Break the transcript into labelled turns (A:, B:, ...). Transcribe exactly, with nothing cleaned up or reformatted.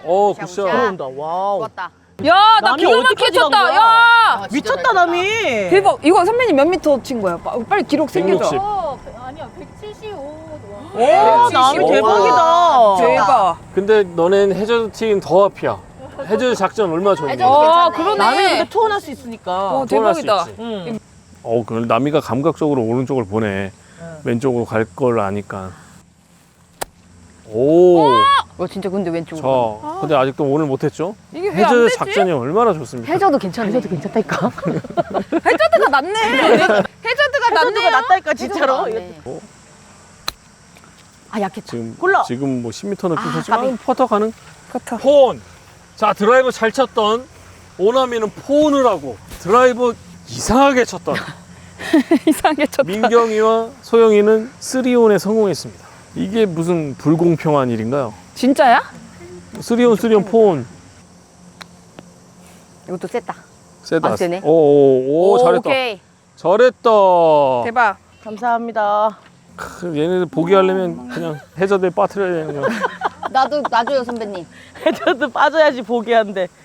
A: 어,
B: 굿샷,
A: 굿샷.
B: 굿샷.
C: 들어온다. 와우.
B: 좋았다.
D: 야, 나
C: 남이
D: 기가 막히게
C: 어디까지 간
D: 쳤다.
C: 거야?
D: 야.
B: 아, 진짜
C: 미쳤다
B: 잘 쳤다.
C: 남이.
D: 대박. 이거 선배님 몇 미터 친 거야? 빠- 빨리 기록
A: 백육십.
D: 생겨줘.
E: 어, 아니야 백칠십오.
C: 오 남이
D: 백칠십오.
C: 대박이다.
D: 대박.
A: 근데 너넨 해저드 팀 더 앞이야. 해저드 작전 얼마나 좋니?
B: 해저드
D: 아,
B: 괜찮네.
D: 그러네.
C: 남이 근데 투혼할 수 있으니까.
D: 어,
A: 투혼할 수
D: 대박이다.
A: 있지.
C: 응.
A: 어, 그 남이가 감각적으로 오른쪽을 보네.
C: 응.
A: 왼쪽으로 갈 걸 아니까. 오.
B: 어 진짜 근데 왼쪽으로.
A: 자, 근데 아직도 오늘 못했죠?
D: 이게 왜 안
A: 해저드
D: 되지?
A: 작전이 얼마나 좋습니까?
B: 해저도 괜찮네. 해저도
C: 괜찮다니까.
D: 해저드가 낫네. 해저드가
C: 해저드가
D: 낫네요.
C: 낫다니까 진짜로.
B: 어. 아 약했다.
A: 지금
C: 골라.
A: 지금 뭐 십 미터 넘게
B: 아,
A: 쳤지만
B: 까비.
A: 퍼터 가능?
D: 같아.
A: 폰. 자, 드라이버 잘 쳤던 오나미는 폰을 하고 드라이버 이상하게 쳤던
D: 이상하게 쳤다.
A: 민경이와 소영이는 쓰리온에 성공했습니다. 이게 무슨 불공평한 일인가요?
D: 진짜야?
A: 쓰리온 쓰리온 폰.
B: 이것도 셌다.
A: 세다.
B: 안 세네.
A: 오오오
B: 오,
A: 잘했다.
B: 오케이.
A: 잘했다.
D: 대박.
C: 감사합니다.
A: 크, 얘네들 포기하려면 그냥 해저드에 빠뜨려야 되는 거야.
B: 나도 놔줘요 선배님.
C: 해저드 빠져야지 보기한데.